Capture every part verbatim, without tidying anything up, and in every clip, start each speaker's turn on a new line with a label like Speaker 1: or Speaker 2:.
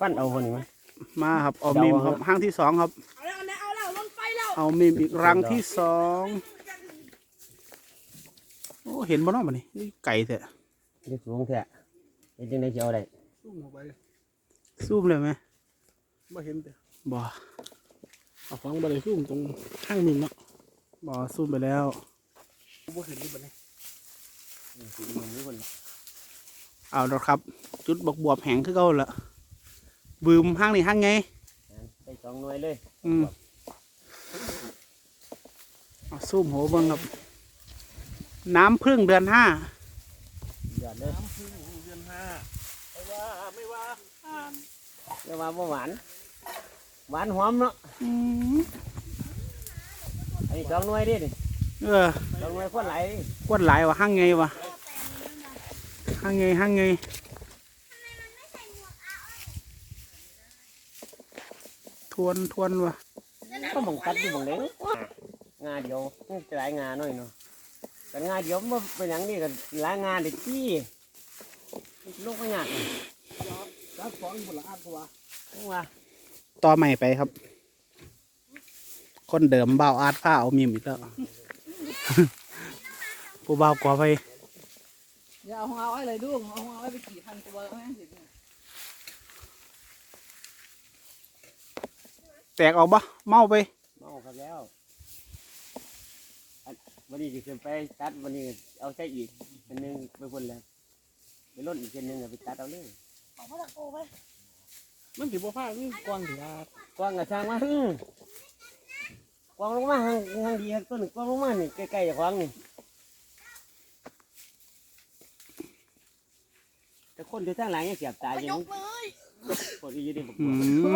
Speaker 1: ฟันเอาคนนี้ไหม
Speaker 2: มาครับเอามีมครับห้างที่สองครับเอาแล้วเอาแล้วลงไฟแล้วเอามีมอีกรังที่สองโอ้เห็นบ่เนาะมันนี่นี่ไก่แท้
Speaker 1: นี่สูงแท้เห็นจังได๋สิเอาได้
Speaker 2: ซูมเข้าไปซูมเลยไหมบ่เห็นแต่บ่เอาฟังบ่ได้ซูมตรงข้างมีมเนาะบ่ซูมไปแล้วบ่เห็นนี่บัดนี้เอาแล้วครับจุดบกบวบแห้งคือเก่าละบืมห้างนี่ห้างไง
Speaker 1: ไปสองหน่วยเลย
Speaker 2: อืมเอาซูมโหเบิ่งครับน้ำพึ่งเดือนห้า
Speaker 1: เดือนเลย
Speaker 2: น้ำพึ่งเดือนห้าไม่ว่าไม่ว่า
Speaker 1: ไม่ว่าบ่หวานหวานหอมเนาะอันนี้สองหน่วยดิ
Speaker 2: เออ
Speaker 1: สองหน่วยคนไหล
Speaker 2: คนไหลวะห้างไงวะห้างไงห้างไงทวนทวนวะ
Speaker 1: ก็มองตัดอยู่มองเด้งาเดียวจะหลายงาหน่อยเนาะแต่งาเดียวมันเป็นอย่างนี้กันหลายงาเด็กที่ลูกไม่หนัก
Speaker 2: ตัดสองบุหรี่อัดตัว
Speaker 1: ว่า
Speaker 2: ต่อใหม่ไปครับคนเดิมเบาอาดผ้าเอามีมอีกแล้วผู้เบากว่าไป
Speaker 3: อย่าเอาเอาไว้เลยดูเอาเอาไว้ไปกี่พันตัวแม่สิ
Speaker 2: แตกออกบ่เมาไป
Speaker 1: เมาครับแล้ววันนี้จะขึ้นไปตัดวันนี้เอาใช้อีกเป็นหนึ่งไปคนแล้วไปลดอีกเป็นหนึ่งไปตัดเอาเลย
Speaker 3: เอาพระตะโกไป
Speaker 2: มันถือว่าผ้านี่กว้างถือว่
Speaker 1: ากว้างกับช่างว่ากว้างลงมาห่างห่างดีครับต้นกว้างลงมานี่ใกล้ๆจากกว้างนี่แต่คนที่ทางหลังยังเสียบตาอยู่คนที่ยืนดีบอกว่า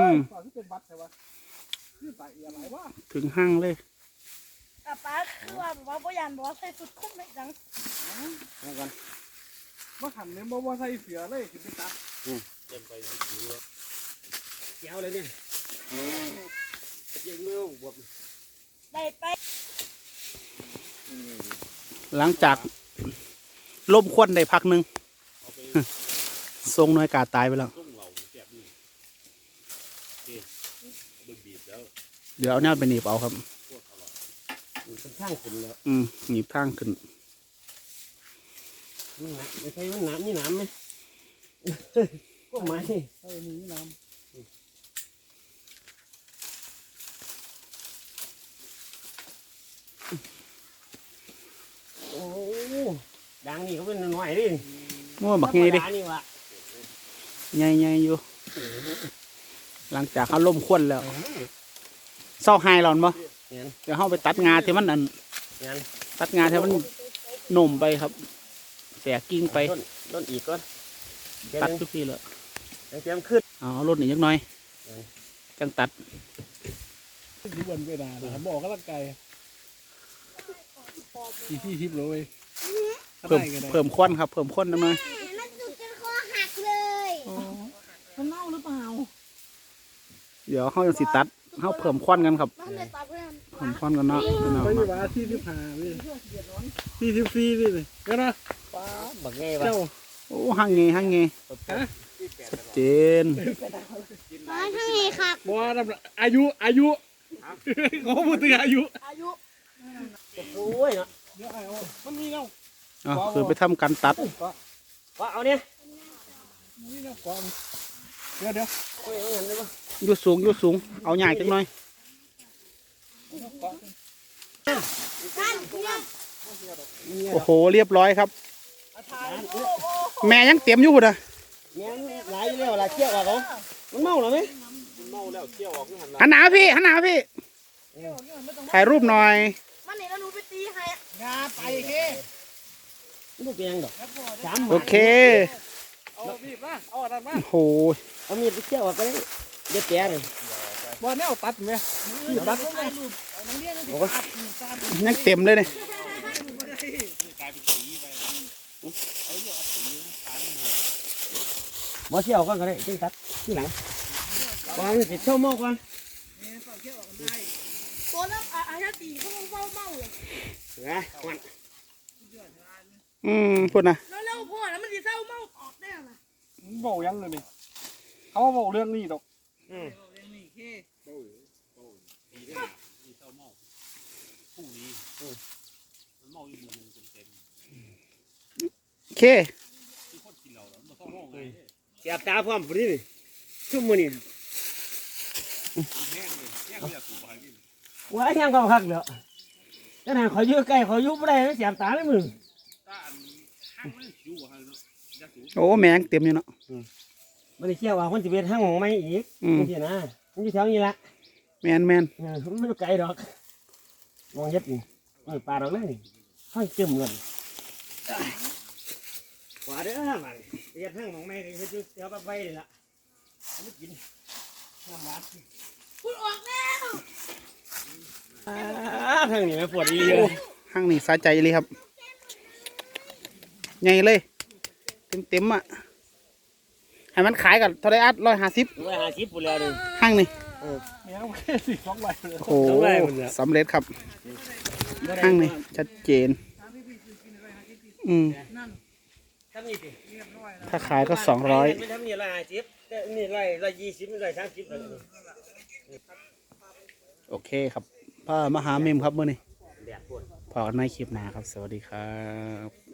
Speaker 2: ถึงห้างเลย
Speaker 3: ป้าป้าคือว่าบอกว่าพ่อยันบอกว่าใส่สุดคุ้มเลยจัง
Speaker 1: นี่ก่อน
Speaker 2: ว่าหันเนี่ยบอกว่าใส่เสือเลยถึงไปตัด
Speaker 1: เต็มไปดูแล้วเกี่ยวเลยเนี่ยยังมือบวบ
Speaker 3: ได้ไป
Speaker 2: หลังจากล่มควันได้พักหนึ่งทรงน้อยกาตายไปแล้วเดี๋ยวเอาเนี่ยไปหนีบเอาครับ
Speaker 1: ข้างขึ้นแล้ว
Speaker 2: อืมหนีบข้างขึ้น
Speaker 1: ไม่ใช่มันน้ำนี่น้ำไหมก็ไม่
Speaker 2: ใช่มีน้ำ
Speaker 1: โอ้ดังนี่เขาเป็นหน่อยดิ
Speaker 2: มั่วบักไงดิไงไงอยู่หลังจากเขาล่มควันแล้วเศร้าไฮหลอนบ่เดี๋ยวเขาไปตัดงาที่มันอันตัดงาที่มันหนุ่มไปครับแตกกิ้งไป
Speaker 1: ต้นอีกก็
Speaker 2: ตัดทุกทีเลย
Speaker 1: เตรียมขึ้น
Speaker 2: อ๋อรถหนียักหน่อยจังตัด
Speaker 4: ดูวันเวลาเลยบอกก็ร่างกายที่ที่ทิพย์เลย
Speaker 2: เพิ่มเพิ่มควันครับเพิ่มควันนิดหน่อย
Speaker 3: มันจุดจนคอหักเลยมันเน่าหรือเปล่า
Speaker 2: เดี๋ยวเขาจะสิตัดเขาเพิ่มควันกันครับเพิ่มควันกันเนาะ
Speaker 4: ไปอยู่ว่าที่ที่ผ่านี่ที่ที่ฟรีนี่เลยก็นะ
Speaker 1: ป้าบักเงี้ย
Speaker 2: เจ้าโอ้หังเงหังเงชัดเจน
Speaker 3: หังเงครับ
Speaker 4: บัวอายุอายุเขาพูดถึงอายุ
Speaker 3: อายุ
Speaker 1: โอ้ยเนาะ
Speaker 4: เดี๋ยวเอามันมีเนาะ
Speaker 2: อ๋อคือไปทำการตัด
Speaker 1: ว่าเอาเนี่ย
Speaker 4: นี่เนาะกองเดี๋ยวเดี๋ยว
Speaker 2: ยุดสูงยุดสูงเอาใหญ่จังหน่อยโอ้โหเรียบร้อยครับแม่ยังเตรียมอยู่นะ
Speaker 1: แม่ไหลเร็วไหลเที่ยวออกเขามันเมาหรอไหม
Speaker 4: เมาแล้วเที่ยวออก
Speaker 2: หันหน้าพี่หันหน้าพี่ถ่ายรูปหน่อย
Speaker 3: มันนี่แล้วหนูไปตีให้
Speaker 1: งาไปเฮ้ลูกเปียงดอก
Speaker 2: โอเค
Speaker 4: เอาบีบมาเอาอะไรมา
Speaker 2: โอ้โห
Speaker 1: เอามีดไปเที่ยวออกไปเด็ดแก่เลย
Speaker 4: บอลเนี่ยเอาตัดไหมตัด
Speaker 2: ยังเต็มเลยเนี่ย
Speaker 1: บ่เที่ยวก่อนก็ได้จึงตัดที่หลังวางติดเช่าหม้อก่อน
Speaker 3: ตัวนั้นอาญาตีเขาเมาเมาเลย
Speaker 1: ไงมัน
Speaker 2: อืมพูดนะ
Speaker 3: แล้วแล้วพ่อแล้วมันจะเศร้าเมาออกได้ไหม
Speaker 4: บอกยังเลยดิเขาบอกเรื่องนี้ดอก
Speaker 1: อืม
Speaker 3: เรื่องนี้เค
Speaker 2: โอเค
Speaker 1: เสียบตาพร้อมพอดีนี่ชั่วโมงนี้ว่ายังก็คักเด้อแต่น่ะขออยู่ใกล้ขออยู่บ่ได้เสียบตาเลยมึง
Speaker 2: โอ้แมงเต็มอยู่เนาะ
Speaker 1: มันได้เชื่อว่าคนสิเป็นทางของไม่อีก
Speaker 2: อืม
Speaker 1: จังซี่นะมันอยู่แถวนี้ละ
Speaker 2: แมนแมน
Speaker 1: เออมันไม่ไกลดอกมองเฮ็ดนี่เออปลาดอกเลยนี่ห้อยจึมกันขวาเด้อมันเฮ็ดทางของไม่เฮ็ดอยู่แถวปลาใบนี่ล่ะเอามากินน้ำหวาน
Speaker 3: คุณออกแล้ว
Speaker 1: อ่าทางนี้ไม่ปวดดีเลย
Speaker 2: ห้างนี่สาใจเลยครับใหญ่เลย เต็มเต็มๆอ่ะให้มันขายกับเท่าไรอัดร้อยห้าสิบ
Speaker 1: ร้อยห้าสิบปุ่นแล้วดิ
Speaker 2: ห้างนี่
Speaker 4: แม่งแค่สิสองใบเลย
Speaker 2: โอ้โหสำเร็จครับห้างนี่ชัดเจน อืม
Speaker 1: ทำนี่สิ
Speaker 2: ถ้าขายก็สองร้อย
Speaker 1: ไม่ทำนี่ร้อยห้าสิบแต่นี่ร้อยร้อยยี่สิบร้อยสามสิบเลย
Speaker 2: โอเคครับพ่อมหาเมมครับมื่อนี้
Speaker 1: แดดปวด
Speaker 2: พอกันในคลิปหน้าครับ สวัสดีครับ